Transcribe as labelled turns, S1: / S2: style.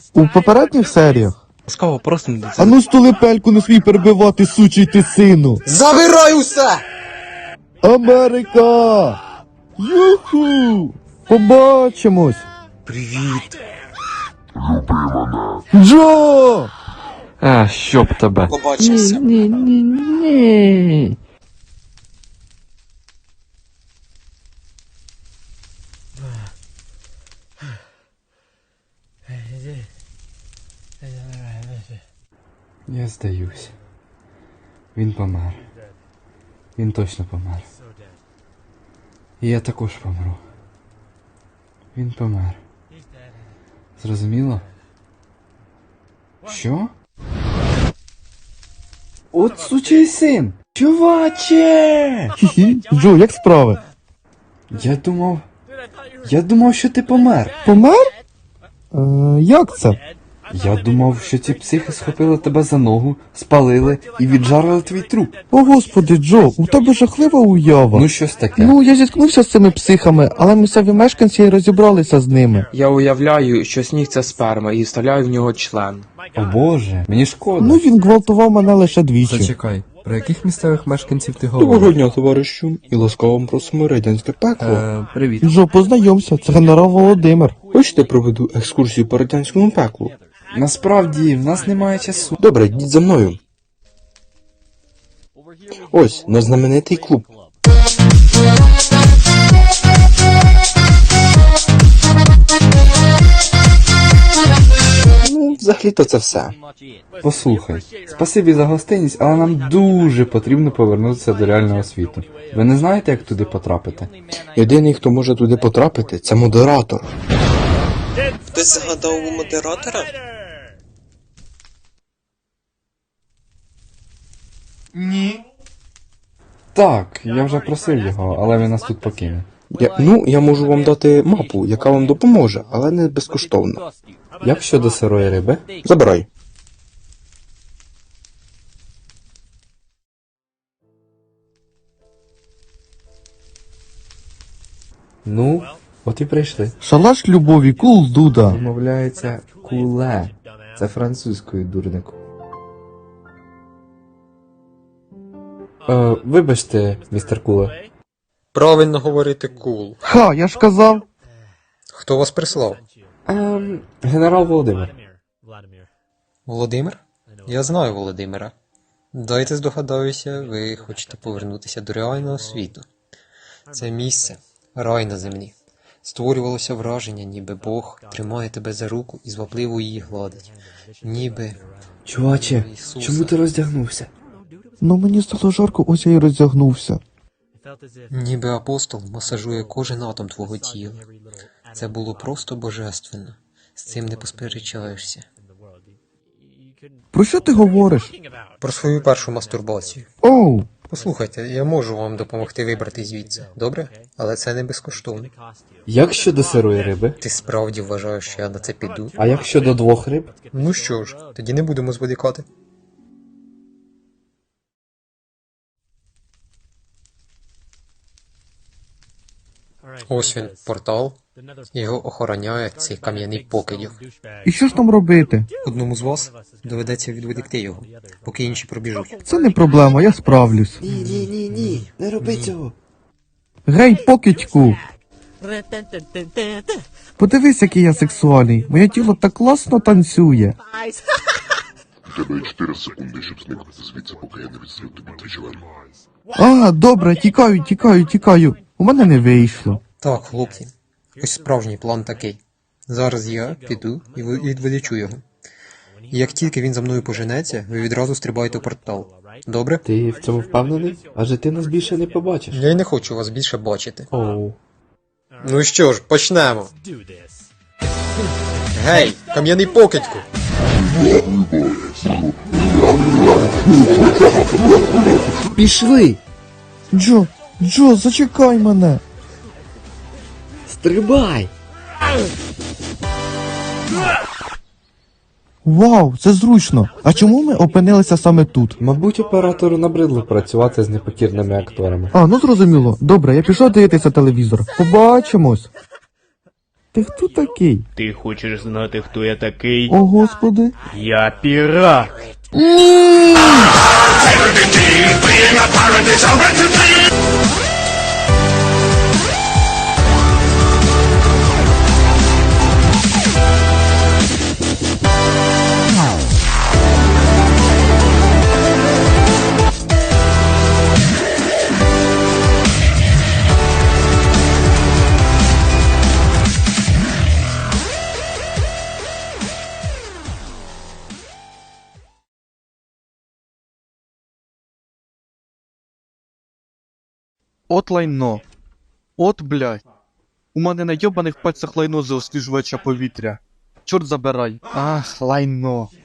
S1: У попередніх серіях?
S2: Ласкаво просимо до
S1: А
S2: цього.
S1: ну столипельку не свій перебивати, сучий ти сину!
S3: Забирай усе!
S1: Америка! Юху! Побачимось!
S2: Привіт.
S1: Джо!
S2: Щоб тебе.
S3: Побачимося.
S1: Ні.
S4: Я здаюсь. Він помер. Він точно помер. І я також помру. Він помер. Зрозуміло? Що? От сучий син! Чуваче!
S1: Хі-хі, Джо, як справи?
S4: Я думав, що ти помер.
S1: Помер? Як це?
S4: Я думав, що ці психи схопили тебе за ногу, спалили і віджарили твій труп.
S1: О, господи, Джо, у тебе жахлива уява.
S4: Ну щось таке.
S1: Ну, я зіткнувся з цими психами, але місцеві мешканці й розібралися з ними.
S2: Я уявляю, що сніг це сперма і вставляю в нього член.
S4: О боже, мені шкода.
S1: Ну, він гвалтував мене лише двічі.
S4: Зачекай, про яких місцевих мешканців ти говориш?
S2: Доброго дня, товаришу, і ласкаво вам просимо радянське пекло.
S4: Привіт.
S1: Джо, познайомся, це генерал Володимир.
S2: Хочете проведу екскурсію по радянському пеклу?
S4: Насправді, в нас немає часу.
S2: Добре, йдіть за мною. Ось, наш знаменитий клуб. Ну, взагалі-то це все.
S4: Послухай, спасибі за гостинність, але нам дуже потрібно повернутися до реального світу. Ви не знаєте, як туди потрапити?
S2: Єдиний, хто може туди потрапити, це модератор.
S3: Хтось згадав у модератора?
S4: Так, я вже просив його, але він нас тут покине.
S2: Я можу вам дати мапу, яка вам допоможе, але не безкоштовно.
S4: Як щодо сирої риби?
S2: Забирай.
S4: Ну, от і прийшли.
S1: Шалаш любові, кул дуда.
S4: Вимовляється куле. Це французькою, дурнику. Вибачте, містер Куле.
S5: Правильно говорити кул.
S1: Ха, я ж казав.
S5: Хто вас прислав?
S4: Генерал Володимир.
S5: Володимир? Я знаю Володимира. Дайте здогадаюся, ви хочете повернутися до реального світу. Це місце, рай на землі. Створювалося враження, ніби Бог тримає тебе за руку і звабливо її гладить. Ніби
S4: Чуваче,
S5: Ісуса.
S4: чому ти роздягнувся?
S1: Ну мені стало жарко, ось я й роздягнувся.
S5: Ніби апостол масажує кожен атом твого тіла. Це було просто божественно. З цим не посперечаєшся.
S1: Про що ти говориш?
S5: Про свою першу мастурбацію.
S1: Оу,
S5: Послухайте, я можу вам допомогти вибрати звідси, добре? Але це не безкоштовно.
S4: Як щодо сирої риби?
S5: Ти справді вважаєш, що я на це піду?
S4: А як щодо 2 риб?
S5: Ну що ж, тоді не будемо зволікати. Ось він, портал. Його охороняє цей кам'яний покидьок.
S1: і що ж нам робити?
S5: Одному з вас доведеться відволікти його, поки інші пробіжуть.
S1: Це не проблема, я справлюсь.
S4: Ні, не роби цього.
S1: Гей, покидьку! Подивись, який я сексуальний. Моє тіло так класно танцює.
S6: У тебе є 4 секунди, щоб зникнути звідси, поки я не відстрів тобі твій член.
S1: А, добре, тікаю. У мене не вийшло.
S5: Так, хлопці, ось справжній план такий. Зараз я піду і відволічу його. І як тільки він за мною поженеться, ви відразу стрибаєте в портал. Добре?
S4: Ти в цьому впевнений? Адже ти нас більше не побачиш.
S5: Я й не хочу вас більше бачити.
S4: Оу.
S5: Ну що ж, почнемо. Гей, кам'яний покидьку!
S4: Пішли!
S1: Джо, зачекай мене.
S4: Стрибай!
S1: Вау, це зручно. А чому ми опинилися саме тут?
S4: Мабуть, оператору набридло працювати з непокірними акторами.
S1: А, ну зрозуміло. Добре, я пішов дивитися телевізор. Побачимось. Ти хто такий?
S7: Ти хочеш знати, хто я такий?
S1: О, господи.
S7: Я пірат!
S8: От лайно. От, блядь. У мене на йобаних пальцях лайно за освіжувача повітря. Чорт забирай. Ах, лайно.